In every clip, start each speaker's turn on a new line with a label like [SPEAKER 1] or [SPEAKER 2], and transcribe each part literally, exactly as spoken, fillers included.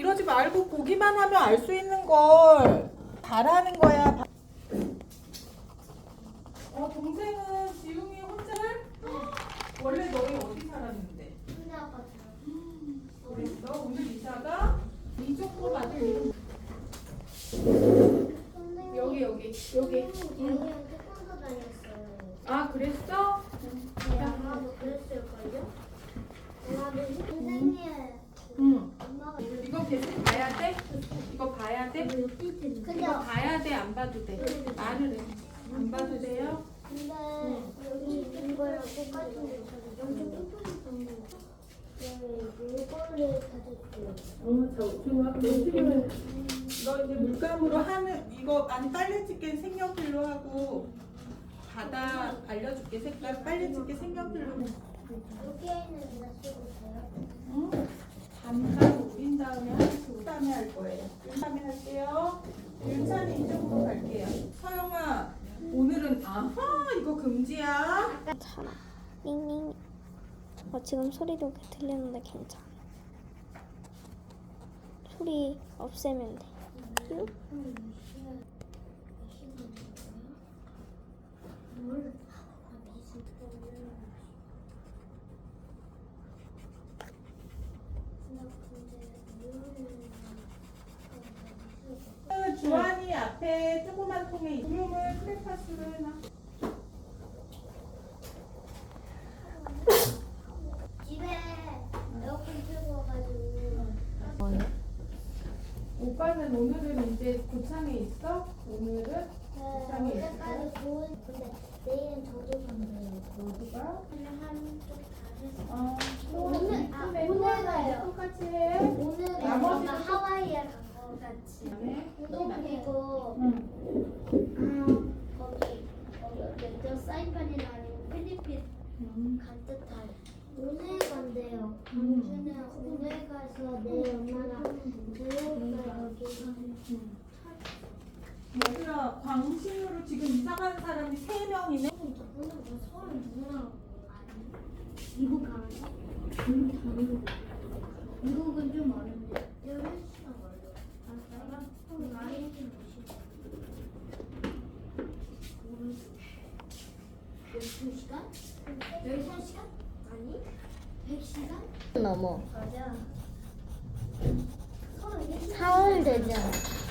[SPEAKER 1] 이러지 말고 보기만 하면 알 수 있는 걸. 잘하는 거야. 어, 동생은 지웅이 혼자? 원래 너희 어디 살았는데?
[SPEAKER 2] 근데 아빠 들어.
[SPEAKER 1] 그랬어? 오늘 이사가 이쪽으로 받을 일은
[SPEAKER 2] 선생님.
[SPEAKER 1] 여기 여기 여기.
[SPEAKER 2] 선생님 저희랑 태권도 다녔어요.
[SPEAKER 1] 아, 그랬어?
[SPEAKER 2] 네, 아마도 그랬을걸요? 아마도 선생님.
[SPEAKER 1] 응.
[SPEAKER 2] 엄마가
[SPEAKER 1] 이거 계속 봐야 돼? 이거 봐야 돼?
[SPEAKER 2] 근데
[SPEAKER 1] 이거 봐야 돼? 안 봐도 돼? 말을 해. 안 봐도 돼요?
[SPEAKER 2] 근데 여기 이거랑 똑같은데 저기 엄청 뚱뚱한 물건을 사줬어요.
[SPEAKER 1] 어, 저 좋아. 그러면 너 이제 물감으로 하는 이거 아니 빨래 집게 색연필로 하고 바다 알려줄게. 색깔 빨래 집게 색연필로.
[SPEAKER 2] 여기에는 다 쓰고 있어요.
[SPEAKER 1] 응? 잠깐 우린 다음에 하고 다음에 할 거예요. 다음에 할게요. 윤찬이 이쪽으로 갈게요. 서영아, 오늘은 아하 이거 금지야.
[SPEAKER 3] 괜찮아. 닝닝. 어, 지금 소리도 들리는데 괜찮아. 소리 없애면 돼. 응?
[SPEAKER 1] 주환이 앞에 조그만 통에 구름을 크레파스로 해놔.
[SPEAKER 2] 집에 에어컨 틀고 와가지고
[SPEAKER 1] 오빠는 오늘은 이제 고창에 있어? 오늘은
[SPEAKER 2] 네,
[SPEAKER 1] 고창에 있어?
[SPEAKER 2] 어제까지 좋은 근데 내일은 저도 간대요.
[SPEAKER 1] 어디가?
[SPEAKER 2] 그냥 한쪽 다 해서
[SPEAKER 1] 어,
[SPEAKER 2] 오늘 아
[SPEAKER 1] 이쁘네.
[SPEAKER 2] 오늘 가요.
[SPEAKER 1] 똑같이 해.
[SPEAKER 2] 오늘
[SPEAKER 1] 나머지도
[SPEAKER 2] 아마 하와이에 간거 같이.
[SPEAKER 1] 네.
[SPEAKER 2] 또 그리고
[SPEAKER 1] 응.
[SPEAKER 2] 아 거기 거기 어땠죠? 사이판이나 아니면 필리핀
[SPEAKER 1] 음.
[SPEAKER 2] 간 듯한. 오늘 간대요. 광주는 오늘 가서 내일 엄마랑 뉴욕에 여기
[SPEAKER 1] 얘들아, 광신으로 지금 이사 가는 사람이 세 명이네.
[SPEAKER 2] 오늘 뭐 서울 누구랑 아니? 미국 가는 거? 미국 가는 거. 미국은 좀 멀은데 열한 시간 걸려. 아, 그럼 많이 좀 열두 시간? 열세 시간? 아니? 백 시간?
[SPEAKER 3] 넘어.
[SPEAKER 2] 맞아. 서울
[SPEAKER 3] 사월 되잖아.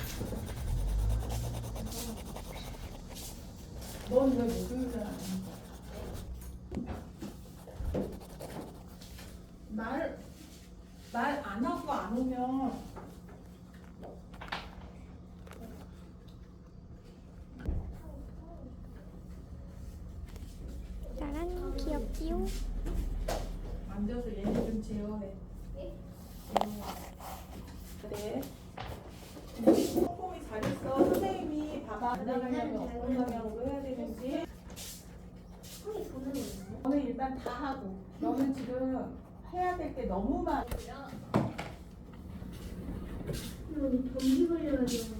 [SPEAKER 1] 넌 왜 목요일날 안 해? 말, 말 안 하고 안 오면
[SPEAKER 3] 짜란, 귀엽지요?
[SPEAKER 1] 앉아서 얘네 좀 제어해. 네. 꼼꼼히 잘했어. 선생님이 봐봐. 나가려면 어떤 방향으로 해야 되는지.
[SPEAKER 2] 형이 보는 거 있나요?
[SPEAKER 1] 너는 일단 다 하고. 너는 지금 해야 될 게 너무 많아.
[SPEAKER 2] 여기 감기 걸려가지고